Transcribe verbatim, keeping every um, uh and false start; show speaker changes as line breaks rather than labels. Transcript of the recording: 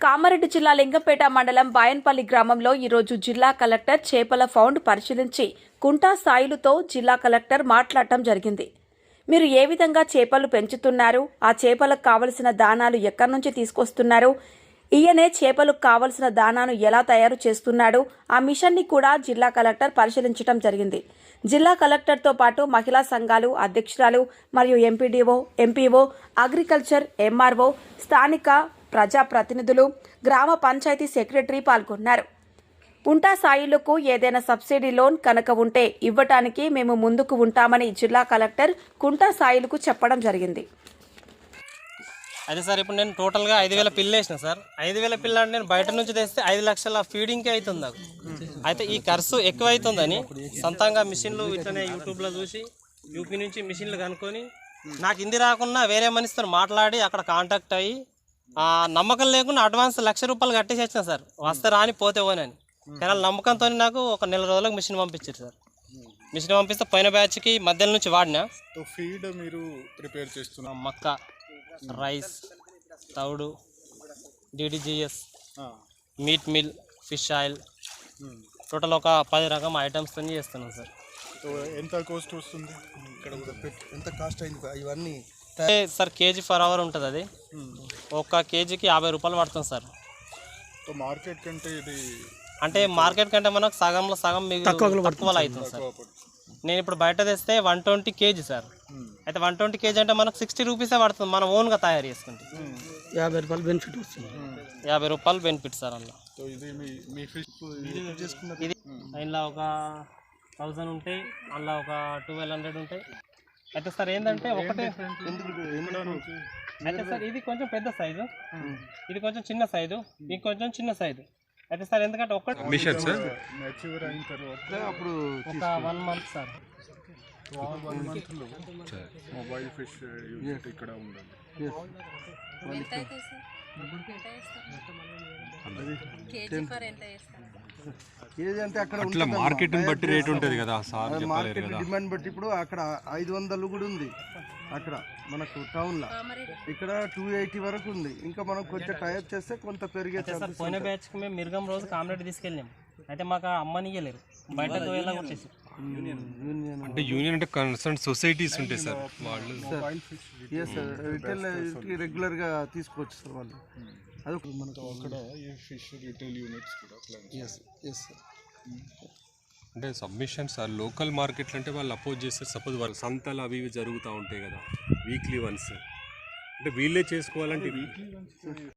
కామారెడ్డి జిల్లా లింగంపేట మండలం బాయన్పల్లి గ్రామంలో ఈరోజు జిల్లా కలెక్టర్ చేపల ఫౌండ్ పరిశీలించి కుంటా సాయిలుతో జిల్లా కలెక్టర్ మాట్లాడటం జరిగింది. మీరు ఏ విధంగా చేపలు పెంచుతున్నారు, ఆ చేపలకు కావలసిన దానాలు ఎక్కడి నుంచి తీసుకొస్తున్నారు, ఈయనే చేపలకు కావలసిన దానాను ఎలా తయారు చేస్తున్నాడు, ఆ మిషన్ని కూడా జిల్లా కలెక్టర్ పరిశీలించడం జరిగింది. జిల్లా కలెక్టర్తో పాటు మహిళా సంఘాలు అధ్యక్షురాలు మరియు ఎంపీడీఓ, ఎంపీఓ, అగ్రికల్చర్, ఎంఆర్ఓ, స్థానిక ప్రజాప్రతినిధులు, గ్రామ పంచాయతీ సెక్రటరీ పాల్గొన్నారు. కుంటా సాయిలకు ఏదైనా సబ్సిడీ లోన్ కనుక ఉంటే ఇవ్వటానికి మేము ముందుకు ఉంటామని జిల్లా కలెక్టర్ కుంటా సాయిలకు చెప్పడం జరిగింది.
అదే సార్, ఇప్పుడు నేను టోటల్గా ఐదు వేల పిల్లలు వేసిన సార్. ఐదు వేల పిల్ల అంటే నేను బయట నుంచి తెస్తే ఐదు లక్షల ఫీడింగ్కే అవుతుంది నాకు. అయితే ఈ ఖర్చు ఎక్కువ అవుతుందని సొంతంగా మిషన్లు ఇట్లనే యూట్యూబ్లో చూసి యూపీ నుంచి మిషన్లు కనుక్కొని నాకు ఇంది రాకుండా వేరే మనిషితో మాట్లాడి అక్కడ కాంటాక్ట్ అయ్యి నమ్మకం లేకుండా అడ్వాన్స్ లక్ష రూపాయలు కట్టేసి వచ్చిన సార్. వస్తే రాని పోతే పోనని. కానీ నమ్మకంతో నాకు ఒక నెల రోజులకు మిషన్ పంపించారు సార్. మిషన్ పంపిస్తే పోయిన బ్యాచ్కి మధ్యలో నుంచి వాడినా.
ఫీడ్ మీరు ప్రిపేర్ చేస్తున్నా
మక్క, రైస్, తౌడు, DDGS, meat meal, fish oil, total ఒక పది రకం ఐటమ్స్తో చేస్తున్నాం సార్.
ఎంత కాస్ట్ వస్తుంది ఇక్కడ?
ఎంత కాస్ట్ అయింది ఇవన్నీ
సార్? కేజీ ఫర్ అవర్ ఉంటుంది. అది ఒక కేజీకి యాభై రూపాయలు పడుతుంది సార్.
మార్కెట్ కంటే ఇది
అంటే మార్కెట్ కంటే మనకు సగంలో సగం తక్కువలో అవుతుంది సార్. నేను ఇప్పుడు బయట తెస్తే వన్ ట్వంటీ కేజీ సార్. అయితే వన్ ట్వంటీ కేజీ అంటే మనకు సిక్స్టీ రూపీసే పడుతుంది మనం ఓన్గా తయారు చేసుకుంటే.
యాభై రూపాయలు బెనిఫిట్ వస్తుంది.
యాభై రూపాయలు బెనిఫిట్ సార్. అందులో ఇది ఇందులో ఒక థౌజండ్ ఉంటాయి, అందులో ఒక ట్వెల్వ్ హండ్రెడ్ ఉంటాయి. అయితే సార్ ఏంటంటే ఒకటే అయితే సార్ ఇది కొంచెం పెద్ద సైజు, ఇది కొంచెం చిన్న సైజు, ఇది కొంచెం చిన్న సైజు. అయితే సార్ ఎందుకంటే ఒకటి
మెచ్యూర్ అయిన తర్వాత అప్పుడు
ఒక వన్ మంత్ సార్
వన్ మంత్లో మొబైల్ ఫిష్ యూనిట్ ఇక్కడ ఉండాలి.
కేజీ అంటే అక్కడ
అట్లా మార్కెట్ బట్టి రేట్ ఉంటుంది కదా సార్.
మార్కెట్ డిమాండ్ బట్టి ఇప్పుడు అక్కడ ఐదు వందలు కూడా ఉంది అక్కడ మనకు టౌన్లో. ఇక్కడ టూ ఎయిటీ వరకు ఉంది. ఇంకా మనం కొంచెం టైప్ చేస్తే కొంత పెరిగే.
పోయిన బ్యాచ్కి మేము మిరుగం రోజు కామ్రేడ్ తీసుకెళ్ళాము. అయితే మాకు అమ్మనియలేరు, బయట వచ్చేసి
అంటే యూనియన్ అంటే కన్సర్న్ సొసైటీస్ ఉంటాయి సార్. వాళ్ళు
రిటైల్ రెగ్యులర్గా తీసుకోవచ్చు సార్ వాళ్ళు. అది
మనకు అక్కడ ఈ ఫిష్ రిటైల్ యూనిట్స్ కూడా ప్లాన్.
అంటే సబ్మిషన్స్ సార్ లోకల్ మార్కెట్లు అంటే వాళ్ళు అపోజ్ చేస్తారు. సపోజ్ వాళ్ళు సంతలు అవి ఇవి జరుగుతూ ఉంటాయి కదా వీక్లీ వన్స్, అంటే వీళ్ళే చేసుకోవాలంటే వీక్లీ వన్స్